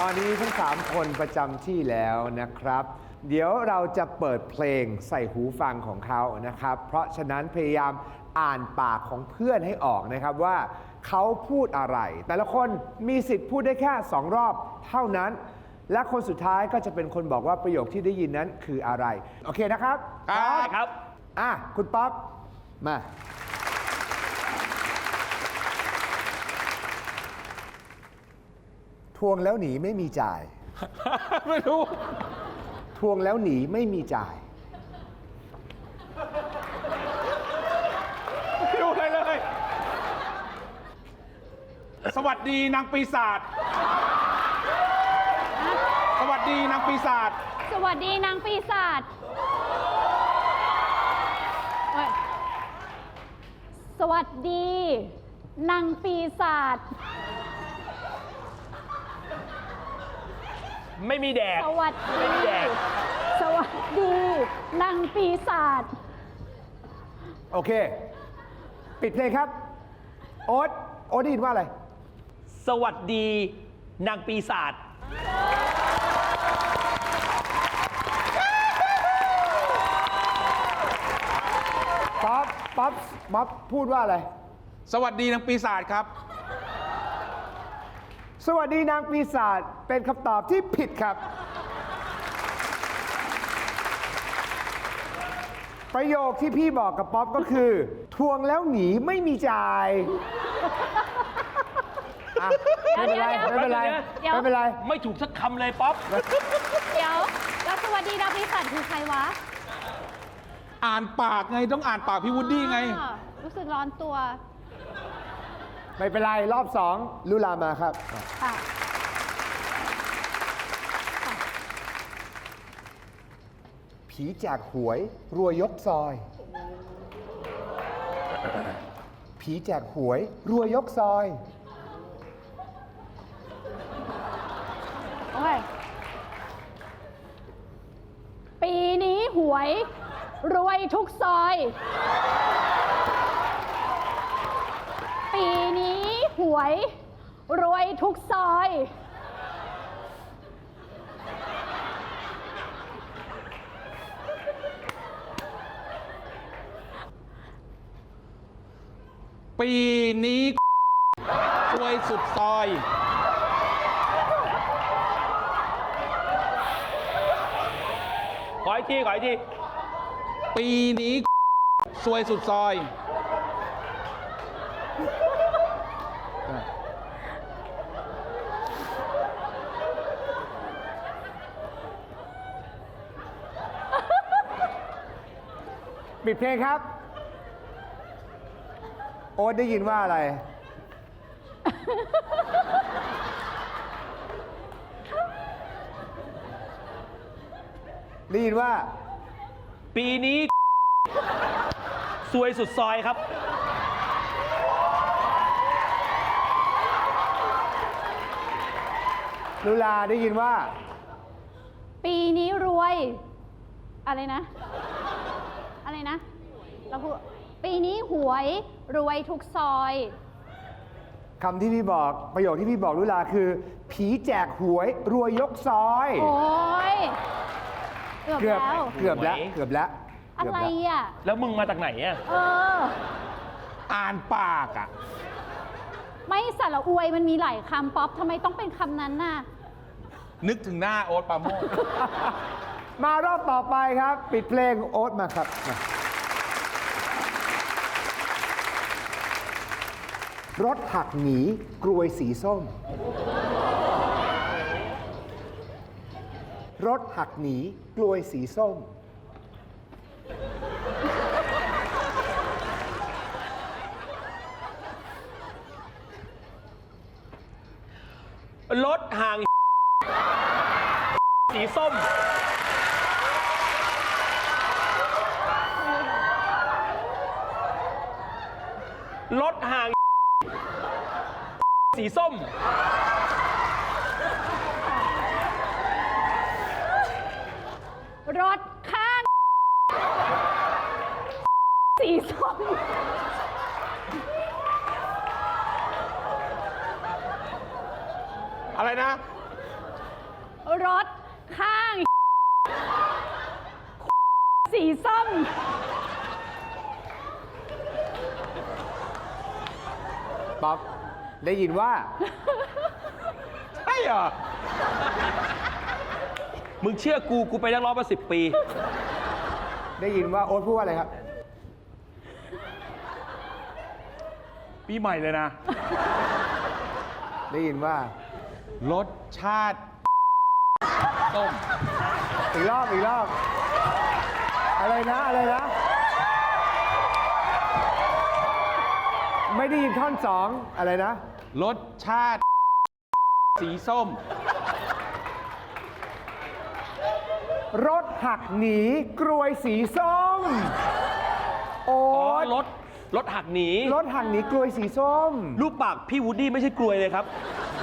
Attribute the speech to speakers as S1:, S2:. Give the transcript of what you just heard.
S1: อนนี้ทั้ง3คนประจำที่แล้วนะครับ เดี๋ยวเราจะเปิดเพลงใส่หูฟังของเขานะครับ เพราะฉะนั้นพยายามอ่านปากของเพื่อนให้ออกนะครับว่าเขาพูดอะไร แต่ละคนมีสิทธิ์พูดได้แค่2 รอบเท่านั้น และคนสุดท้ายก็จะเป็นคนบอกว่าประโยคที่ได้ยินนั้นคืออะไรโอเคนะครับ
S2: ครับ
S1: คุณป๊อปมาทวงแล้วหนีไม่มีจ่าย
S2: ไม่รู้
S1: ทวงแล้วหนีไม่มีจ่าย
S2: ไม่รู้อะไรเลย สวัสดีนางปีศาจ สวัสดีนางปีศาจ
S3: สวัสดีนางปีศาจโอ๊ยสวัสดีนางปีศาจ
S2: ไม่มีแดก
S3: สวัส
S2: ไม่มี
S3: ดี
S2: แดก
S3: สวัสดีนางปีศาจ
S1: โอเค ปิดเพลงครับ โอ๊ตได้ยินว่าอะไร
S2: สวัสดีนางปีศาจ
S1: ป๊อปพูดว่าอะไร
S2: สวัสดีนางปีศาจครับ
S1: สวัสดีนางปีศาจเป็นคำตอบที่ผิดครับ ประโยคที่พี่บอกกับป๊อปก็คือ ทวงแล้วหนีไม่มีจ่ายอ่ะไม่เป็นไรไม่เป็นไรไม่เป็นไร
S2: ไม่ถูกสักคำเลยป๊อป
S3: เดี๋ยวแล้วสวัสดีนางปีศาจคือใครวะ
S2: อ่านปากไงต้องอ่านปากพี่วูดดี้ไง
S3: อ้าวรู้สึกร้อนตัว
S1: ไม่เป็นไรรอบ2ลุลามาครับ
S3: ค่ะ
S1: ผีแจกหวยรวยยกซอย ผีแจกหวยรวยยกซอย
S3: โอ้ย ปีนี้หวยรวยทุกซอย ปีนี้หวยรวยทุกซอย
S2: ปีนี้รวยสุดซอย ขออีกที ปีนี้ซวยสุดซอย
S1: ปิดเพลงครับ โอ๊ตได้ยินว่าอะไร ได้ยินว่า
S2: ปีนี้ซวยสุดซอยครับ
S1: ลุลาได้ยินว่า
S3: ปีนี้รวย อะไรนะ อะไรนะ เราพูดปีนี้หวยรวยทุกซอย
S1: คำที่พี่บอกประโยคที่พี่บอกลุลาคือ ผีแจกหวยรวยยกซอย
S3: โอ้ยเกือบแล้ว
S1: เกือบแล้ว
S3: อะไรอ่ะ
S2: แล้วมึงมาจากไหนอ่ะ
S3: เออ
S2: อ่านปากอ่ะ
S3: ไม่สระอวยมันมีหลายคำป๊อปทำไมต้องเป็นคำนั้นน่ะ
S2: นึกถึงหน้าโอ๊ตปราโมช
S1: มารอบต่อไปครับ ปิดเพลงโอ๊ตมาครับมารถหักหนีกรวยสีส้ม รถหักหนีกลวยสีส้ม
S2: รถห่าง สีส้ม รถห่าง สีส้ม
S3: รถข้าง สีส้ม
S2: อะไรนะ
S3: รถข้าง สีส้ม
S1: ป๊อปได้ยินว่า
S2: ใช่เหรอ มึงเชื่อกู กูไปนักร้องมา10 ปี
S1: ได้ยินว่าโอ๊ตพูดว่าอะไรครับ
S2: ปีใหม่เลยนะ
S1: ได้ยินว่า
S2: รสชาติต้ม
S1: อีกรอบอีกรอบ อะไรนะอะไรนะ ไม่ได้ยินท่อนสองอะไรนะ
S2: รสชาติสีส้ม
S1: รถหักหนีกรวยสีส้ม โอ๊
S2: อ๋อ
S1: ต
S2: รถหักหนี
S1: รถหักหนีกรวยสีส้ม
S2: รูปปากพี่วูดดี้ไม่ใช่กลวยเลยครับ